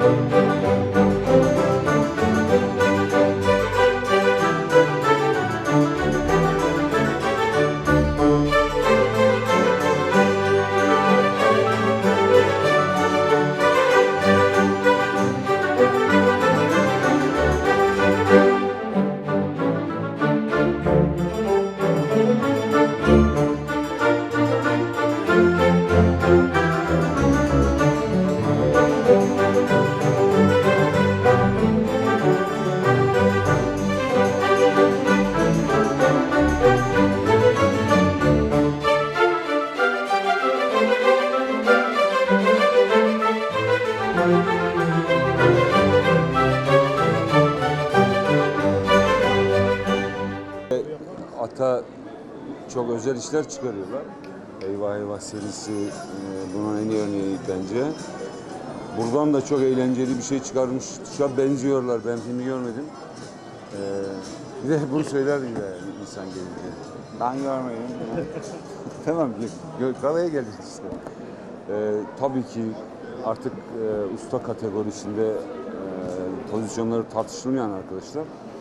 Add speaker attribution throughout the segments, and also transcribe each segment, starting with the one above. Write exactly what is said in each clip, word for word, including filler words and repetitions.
Speaker 1: Ata çok özel işler çıkarıyorlar. Eyvah Eyvah serisi bunun en iyi örneği bence. Buradan da çok eğlenceli bir şey çıkarmış. Çok benziyorlar. Ben filmi görmedim. Ee, bir de bunu söyler gibi yani insan gelince. Ben görmedim. Tamam, galaya geleceğiz işte. Ee, tabii ki artık e, usta kategorisinde e, pozisyonları tartışılmayan arkadaşlar.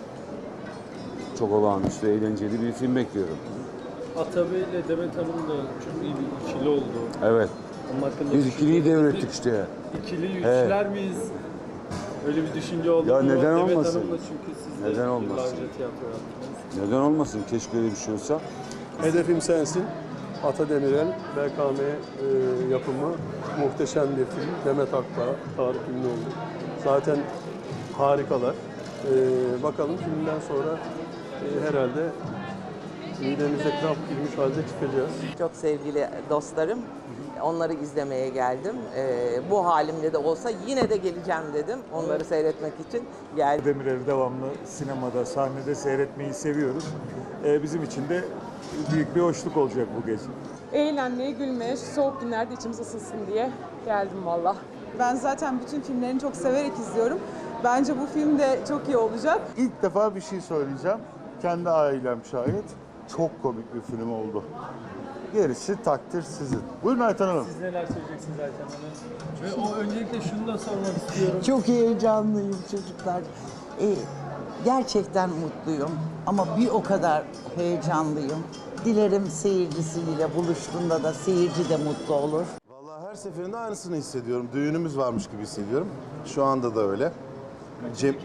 Speaker 1: Çok olağanüstü, eğlenceli bir film bekliyorum.
Speaker 2: Atabey ile Demet Hanım da çok iyi bir ikili oldu.
Speaker 1: Evet. Biz ikiliyi devrettik işte.
Speaker 2: İkili üçler evet. miyiz? Öyle bir düşünce oldu
Speaker 1: ya
Speaker 2: mu?
Speaker 1: Neden
Speaker 2: Demet
Speaker 1: olmasın?
Speaker 2: Hanım'la çünkü siz de
Speaker 1: neden olmasın?
Speaker 2: yıllarca tiyatro yaptınız.
Speaker 1: Neden olmasın? Keşke öyle bir şey olsa.
Speaker 3: Hedefim Sensin. Ata Demirel, B K M e, yapımı muhteşem bir film. Demet Akbağ, Tarık Ünlüoğlu. Zaten harikalar. E, bakalım filmden sonra e, herhalde midemize kramp girmiş halde çıkacağız.
Speaker 4: Çok sevgili dostlarım, onları izlemeye geldim. Ee, bu halimle de olsa yine de geleceğim dedim. Onları seyretmek için geldim.
Speaker 5: Demirel'i devamlı sinemada, sahnede seyretmeyi seviyoruz. Ee, bizim için de büyük bir hoşluk olacak bu gece.
Speaker 6: Eğlenmeye, gülmeye, şu soğuk günlerde içimiz ısınsın diye geldim valla.
Speaker 7: Ben zaten bütün filmlerini çok severek izliyorum. Bence bu film de çok iyi olacak.
Speaker 8: İlk defa bir şey söyleyeceğim. Kendi ailem şahit. Çok komik bir film oldu. Gerisi takdir sizin. Buyurun Ayten Hanım.
Speaker 2: Siz neler söyleyeceksiniz Ayten Hanım? Ve o öncelikle şunu da sormak istiyorum.
Speaker 9: Çok heyecanlıyım çocuklar. Ee, gerçekten mutluyum ama bir o kadar heyecanlıyım. Dilerim seyircisiyle buluştuğunda da seyirci de mutlu olur.
Speaker 8: Vallahi her seferinde aynısını hissediyorum. Düğünümüz varmış gibi hissediyorum. Şu anda da öyle. Cem...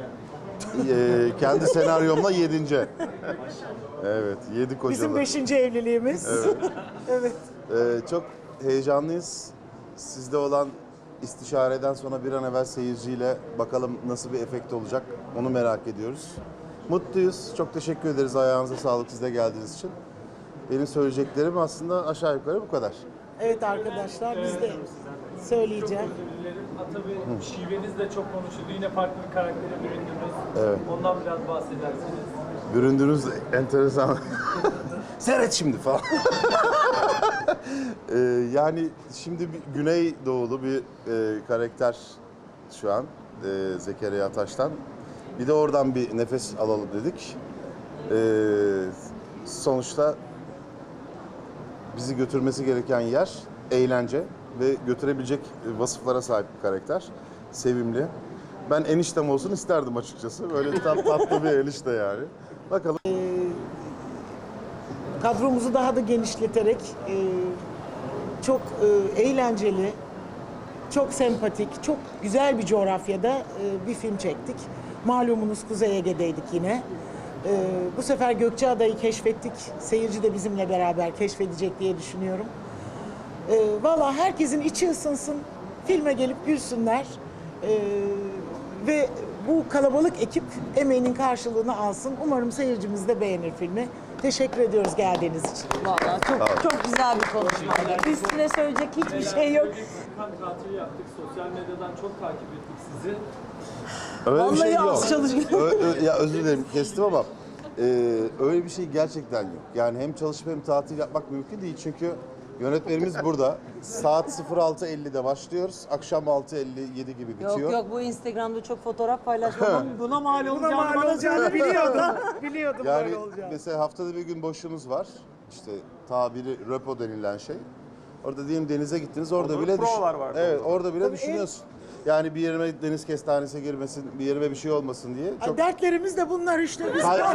Speaker 8: Ee, kendi senaryomla yedinci. Evet, yedi kocalı.
Speaker 9: Bizim beşinci evliliğimiz.
Speaker 8: Evet.
Speaker 9: Evet.
Speaker 8: Ee, çok heyecanlıyız. Sizde olan istişareden sonra bir an evvel seyirciyle bakalım nasıl bir efekt olacak. Onu merak ediyoruz. Mutluyuz. Çok teşekkür ederiz. Ayağınıza sağlık siz de geldiğiniz için. Benim söyleyeceklerim aslında aşağı yukarı bu kadar.
Speaker 9: Evet arkadaşlar biz de söyleyeceğim.
Speaker 2: Çok özür dilerim. Tabii şiveniz de çok konuşuldu. Yine farklı bir karaktere büründünüz.
Speaker 8: Evet.
Speaker 2: Ondan biraz bahsedersiniz.
Speaker 8: Büründüğünüz enteresan. Seyret şimdi falan. ee, yani şimdi bir Güneydoğulu bir e, karakter şu an e, Zekeriya Taş'tan. Bir de oradan bir nefes alalım dedik. Ee, sonuçta bizi götürmesi gereken yer eğlence ve götürebilecek vasıflara sahip bir karakter. Sevimli. Ben eniştem olsun isterdim açıkçası. Böyle tat, tatlı bir enişte yani. Bakalım.
Speaker 9: Ee, kadromuzu daha da genişleterek e, çok e, eğlenceli, çok sempatik, çok güzel bir coğrafyada e, bir film çektik. Malumunuz Kuzey Ege'deydik yine. E, bu sefer Gökçeada'yı keşfettik. Seyirci de bizimle beraber keşfedecek diye düşünüyorum. E, Valla herkesin içi ısınsın, filme gelip gülsünler. E, ve bu kalabalık ekip emeğinin karşılığını alsın. Umarım seyircimiz de beğenir filmi. Teşekkür ediyoruz geldiğiniz için.
Speaker 4: Vallahi çok, çok güzel bir konuşmaydı. Üstüne söyleyecek hiçbir şey yok.
Speaker 2: Tatil yaptık. Sosyal medyadan çok takip ettik sizi.
Speaker 8: Öyle
Speaker 4: Vallahi
Speaker 8: bir şey yok.
Speaker 4: az çalışıyor.
Speaker 8: Ö, ö, ya özür dilerim kestim ama e, öyle bir şey gerçekten yok. Yani hem çalışıp hem tatil yapmak mümkün değil çünkü yönetmenimiz burada. Saat altı ellide başlıyoruz. Akşam altı elli yedi gibi bitiyor.
Speaker 4: Yok yok bu Instagram'da çok fotoğraf paylaşmam buna mal olacağını,
Speaker 9: Buna mal olacağını biliyordum. Biliyordum
Speaker 8: Yani
Speaker 9: böyle olacağını.
Speaker 8: mesela haftada bir gün boşluğunuz var. İşte tabiri röpo denilen şey. Orada diyelim denize gittiniz orada
Speaker 5: Olur,
Speaker 8: bile
Speaker 5: provalar var.
Speaker 8: Evet, orada bile
Speaker 9: Tabii
Speaker 8: düşünüyorsun. Yani bir yerime deniz kestanesi girmesin, bir yerime bir şey olmasın diye.
Speaker 9: Ay,
Speaker 8: Çok...
Speaker 9: dertlerimiz de bunlar işte biz.
Speaker 8: Ay,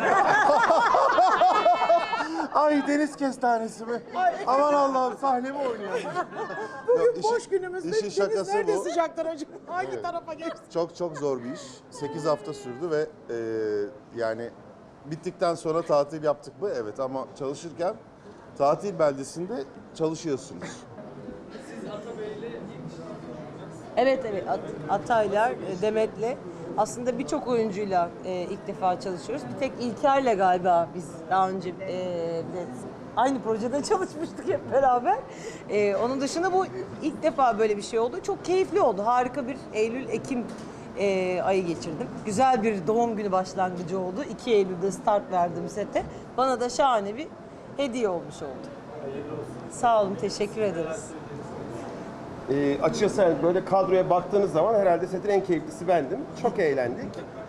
Speaker 8: Ay deniz kestanesi mi? Aman Allah'ım sahnemi oynuyorum.
Speaker 9: Bugün
Speaker 8: Yok, işin-
Speaker 9: boş günümüzde
Speaker 8: işin
Speaker 9: deniz
Speaker 8: şakası
Speaker 9: nerede
Speaker 8: bu.
Speaker 9: sıcaktır acaba? Hangi
Speaker 8: Evet.
Speaker 9: tarafa geçti?
Speaker 8: Çok çok zor bir iş. sekiz hafta sürdü ve e, yani bittikten sonra tatil yaptık mı? Evet, ama çalışırken tatil beldesinde çalışıyorsunuz.
Speaker 10: Evet evet At- Ataylar, e, Demet'le aslında birçok oyuncuyla e, ilk defa çalışıyoruz. Bir tek İlker'le galiba biz daha önce e, de aynı projede çalışmıştık hep beraber. E, onun dışında bu ilk defa böyle bir şey oldu. Çok keyifli oldu. Harika bir Eylül-Ekim e, ayı geçirdim. Güzel bir doğum günü başlangıcı oldu. iki Eylül'de start verdim sete. Bana da şahane bir hediye olmuş oldu. Sağ olun, teşekkür ederiz.
Speaker 11: Ee, açıkçası yani böyle kadroya baktığınız zaman herhalde setin en keyiflisi bendim. Çok eğlendik.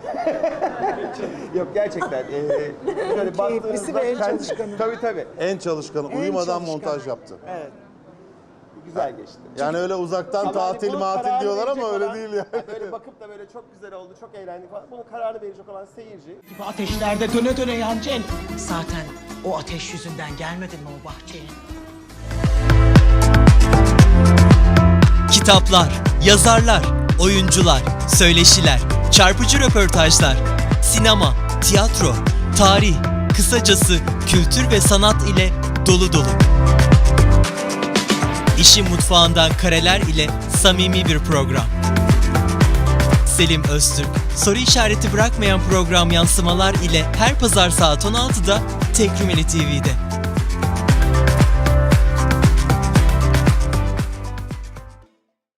Speaker 11: Yok gerçekten. Ee, böyle
Speaker 9: Keyiflisi ve en
Speaker 11: kendi-
Speaker 9: çalışkanı.
Speaker 11: Tabii tabii.
Speaker 8: En çalışkanı,
Speaker 9: En
Speaker 8: uyumadan
Speaker 9: çalışkan.
Speaker 8: montaj yaptı.
Speaker 11: Evet. Güzel geçti.
Speaker 8: Yani öyle uzaktan
Speaker 11: Ama
Speaker 8: tatil
Speaker 11: bunun
Speaker 8: matil
Speaker 11: kararını
Speaker 8: diyorlar ama
Speaker 11: verecek
Speaker 8: öyle
Speaker 11: olan-
Speaker 8: değil yani.
Speaker 11: yani böyle bakıp da böyle çok güzel oldu, çok eğlendik falan. Bunun kararını verecek olan seyirci.
Speaker 9: Gibi ateşlerde döne döne yanacaksın. Zaten o ateş yüzünden gelmedin mi o bahçeye?
Speaker 12: Kitaplar, yazarlar, oyuncular, söyleşiler, çarpıcı röportajlar, sinema, tiyatro, tarih, kısacası kültür ve sanat ile dolu dolu. İşin mutfağından kareler ile samimi bir program. Selim Öztürk, soru işareti bırakmayan program yansımalar ile her pazar saat on altıda Tek Rumeli T V'de.